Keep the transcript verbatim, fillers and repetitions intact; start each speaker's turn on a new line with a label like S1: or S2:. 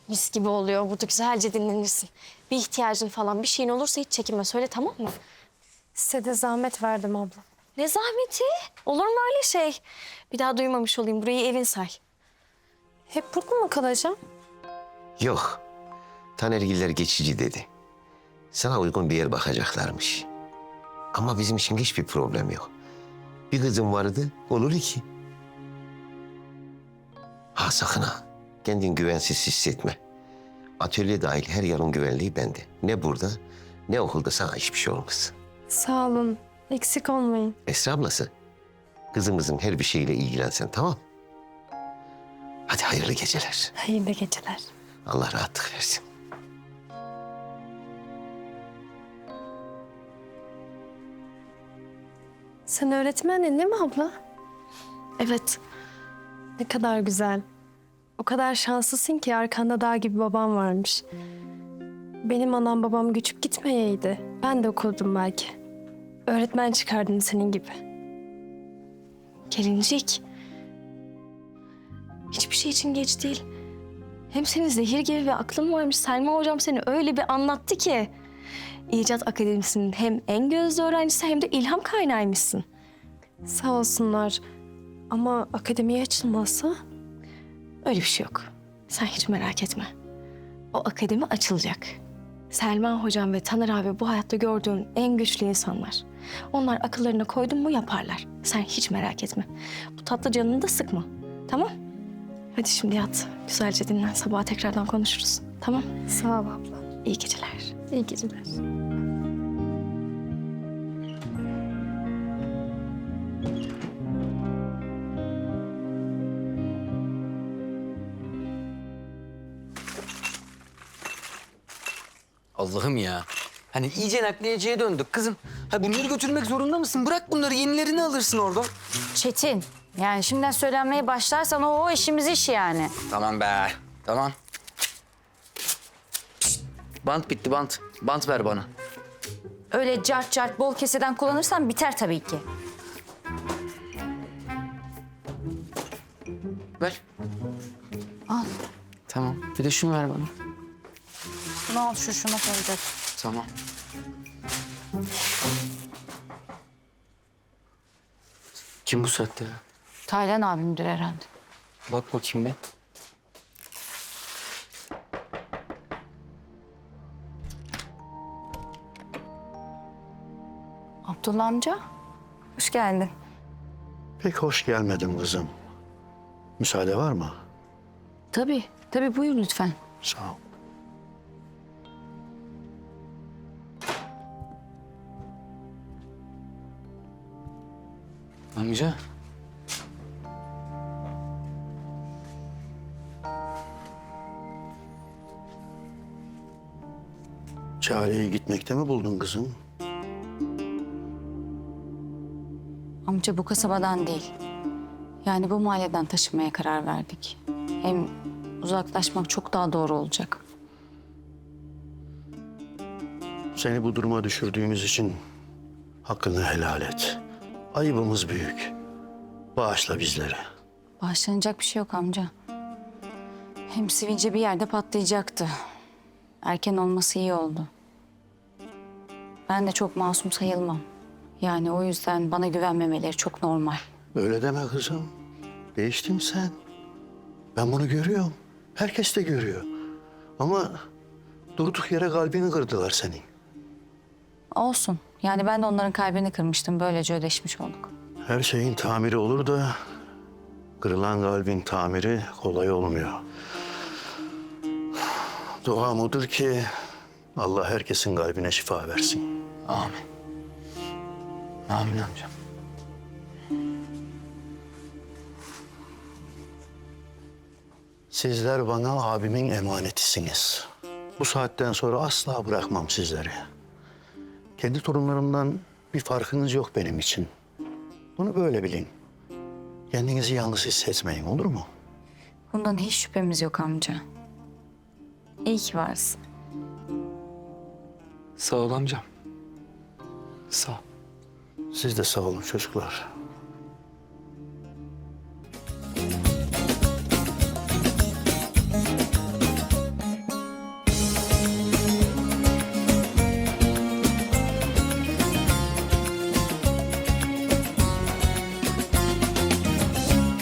S1: Mis gibi oluyor. Burada güzelce dinlenirsin. Bir ihtiyacın falan bir şeyin olursa hiç çekinme. Söyle, tamam mı?
S2: Size de zahmet verdim abla.
S1: Ne zahmeti? Olur mu öyle şey? Bir daha duymamış olayım. Burayı evin say.
S2: Hep burada mı kalacağım?
S3: Yok. Tanergiller geçici dedi. Sana uygun bir yer bakacaklarmış. Ama bizim için hiçbir problem yok. Bir kızım vardı, olur iki. Ha sakın ha. Kendin güvensiz hissetme. Atölye dahil her yerin güvenliği bende. Ne burada, ne okulda sana hiçbir şey olmaz.
S2: Sağ olun. Eksik olmayın.
S3: Esra ablası, kızımızın her bir şeyiyle ilgilensen, tamam? Hadi hayırlı geceler.
S2: Hayırlı geceler.
S3: Allah rahatlık versin.
S2: Sen öğretmendin değil mi abla?
S1: Evet.
S2: Ne kadar güzel. O kadar şanslısın ki arkanda dağ gibi babam varmış. Benim anam babam göçüp gitmeyeydi. Ben de okurdum belki. Öğretmen çıkardım senin gibi.
S1: Gelincik. Hiçbir şey için geç değil. Hem senin zehir gibi bir aklın varmış. Selma hocam seni öyle bir anlattı ki. İcat Akademisi'nin hem en gözde öğrencisi hem de ilham kaynağıymışsın.
S2: Sağ olsunlar. Ama akademiye açılmazsa?
S1: Öyle bir şey yok. Sen hiç merak etme. O akademi açılacak. Selma hocam ve Taner abi bu hayatta gördüğün en güçlü insanlar. Onlar akıllarına koydun mu yaparlar. Sen hiç merak etme. Bu tatlı canını da sıkma. Tamam? Hadi şimdi yat. Güzelce dinlen. Sabah tekrardan konuşuruz. Tamam?
S2: Sağ ol abla.
S1: İyi geceler.
S2: İyi geceler.
S4: Allah'ım ya. Hani iyice nakliyeciye döndük kızım. Ha bunları götürmek zorunda mısın? Bırak bunları, yenilerini alırsın oradan.
S5: Çetin, yani şimdiden söylenmeye başlarsan o, o işimiz iş yani.
S4: Tamam be, tamam. Pişt, bant bitti, bant. Bant ver bana.
S5: Öyle cart cart bol keseden kullanırsan biter tabii ki.
S4: Ver.
S5: Al.
S4: Tamam, bir de şunu ver bana.
S5: Bunu al, şu şuna koyacak.
S4: Tamam. Kim bu saatte ya?
S5: Taylan abimdir herhalde.
S4: Bak bakayım be.
S5: Abdullah amca, hoş geldin.
S6: Pek hoş gelmedim kızım. Müsaade var mı?
S5: Tabii, tabii buyur lütfen.
S6: Sağ ol.
S4: Amca.
S6: Çareyi gitmekte mi buldun kızım?
S5: Amca bu kasabadan değil. Yani bu mahalleden taşınmaya karar verdik. Hem uzaklaşmak çok daha doğru olacak.
S6: Seni bu duruma düşürdüğümüz için hakkını helal et. Ayıbımız büyük. Bağışla bizleri.
S5: Bağışlanacak bir şey yok amca. Hem sivilce bir yerde patlayacaktı. Erken olması iyi oldu. Ben de çok masum sayılmam. Yani o yüzden bana güvenmemeleri çok normal.
S6: Öyle deme kızım. Değiştin sen. Ben bunu görüyorum. Herkes de görüyor. Ama durduk yere kalbini kırdılar senin.
S5: Olsun. Yani ben de onların kalbini kırmıştım. Böylece ödeşmiş olduk.
S6: Her şeyin tamiri olur da kırılan kalbin tamiri kolay olmuyor. Duam odur ki Allah herkesin kalbine şifa versin.
S4: Amin. Amin amcam.
S6: Sizler bana abimin emanetisiniz. Bu saatten sonra asla bırakmam sizleri. Kendi torunlarımdan bir farkınız yok benim için. Bunu böyle bilin. Kendinizi yalnız hissetmeyin, olur mu?
S5: Bundan hiç şüphemiz yok amca. İyi ki varsın.
S4: Sağ ol amcam. Sağ ol.
S6: Siz de sağ olun çocuklar.